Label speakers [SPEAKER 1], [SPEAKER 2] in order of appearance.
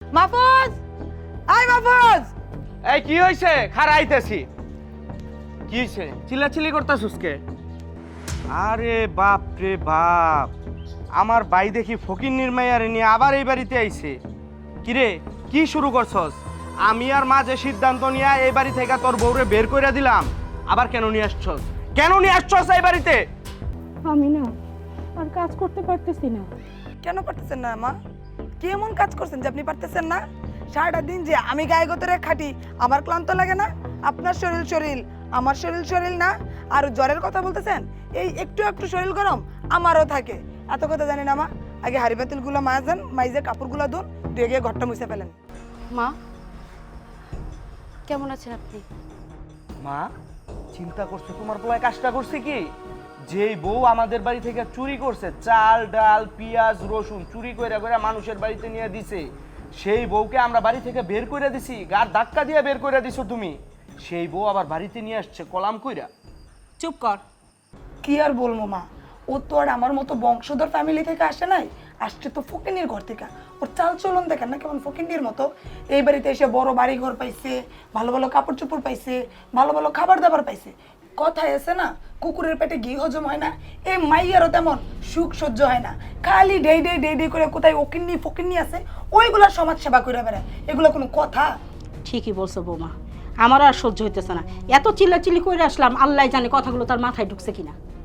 [SPEAKER 1] Mahfuz, I Mahfuz.
[SPEAKER 2] এই কি হইছে? খারাইতেছি। কি হইছে? চিল্লাচিল্লি করতাছস কে? আরে বাপ রে বাপ, আমার ভাই দেখি ফকির নির্মায়ারে নিয়ে আবার এই বাড়িতে আইছে। কিরে, কি শুরু করছস? আমি আর মা যে সিদ্ধান্ত নিয়ে এই বাড়ি থেকে তোর বউরে বের করে দিলাম, আবার কেন নিয়ে আসছস? কেন নিয়ে আসছস এই বাড়িতে?
[SPEAKER 3] আমি না আর কাজ করতে পারতেছি না।
[SPEAKER 1] কেন পারতেছেন না মা? কি এমন কাজ করছেন যে আপনি পারতেছেন না? সারাটা দিন যে আমি গায়ে গোতরে খাটি, আমার ক্লান্ত লাগে না? আপনার শরীর শরীর, আমার শরীর শরীর না? আর জ্বরের কথা বলতেছেন, এই একটু একটু শরীর গরম আমারও থাকে। এত কথা জানি না মা। আগে হাড়ি পাতিলগুলো মাজান, মাইজে কাপড়গুলো ধুন, ধুয়ে গিয়ে ঘরটা মুছে ফেলেন।
[SPEAKER 3] মা, কেমন আছেন আপনি?
[SPEAKER 2] মা, চিন্তা করছো তোমার পোলায় কাজটা করছে কি? যেই বউ আমাদের বাড়ি থেকে চুরি করছে, চাল ডাল পেঁয়াজ রসুন চুরি কইরা কইরা মানুষের বাড়িতে নিয়ে দিছে, সেই বউকে আমরা বাড়ি থেকে বের কইরা দিছি, গার ধাক্কা দিয়ে বের কইরা দিছো তুমি। সেই বউ আবার বাড়িতে নিয়ে আসছে কলাম কইরা।
[SPEAKER 3] চুপ কর।
[SPEAKER 1] কি আর বলবো মা, ও তো আর আমার মতো বংশধর ফ্যামিলি থেকে আসে নাই, আসছে তো ফকিনির ঘর থেকে। ওর চাল চলন দেখেন না কেমন ফকিনির মতো। এই বাড়িতে এসে বড় বাড়ি ঘর পাইছে, ভালো ভালো কাপড় চোপড় পাইছে, ভালো ভালো খাবার দাবার পাইছে। কথায় আছে না, কুকুরের পেটে ঘি হজম হয় না, এই মাইয়ারও তেমন সুখ সহ্য হয় না। খালি ডেই ডেই ডেই ডেই করে কোথায় ওকিন্নি ফকিন্নি আছে, ওইগুলার সমাজ সেবা করে বেড়ায়। এগুলো কোনো কথা?
[SPEAKER 3] ঠিকই বলছো বৌমা, আমারও আর সহ্য হইতেছে না। এত চিল্লাচিল্লি করে আসলাম, আল্লাহ জানে কথাগুলো তার মাথায় ঢুকছে কিনা।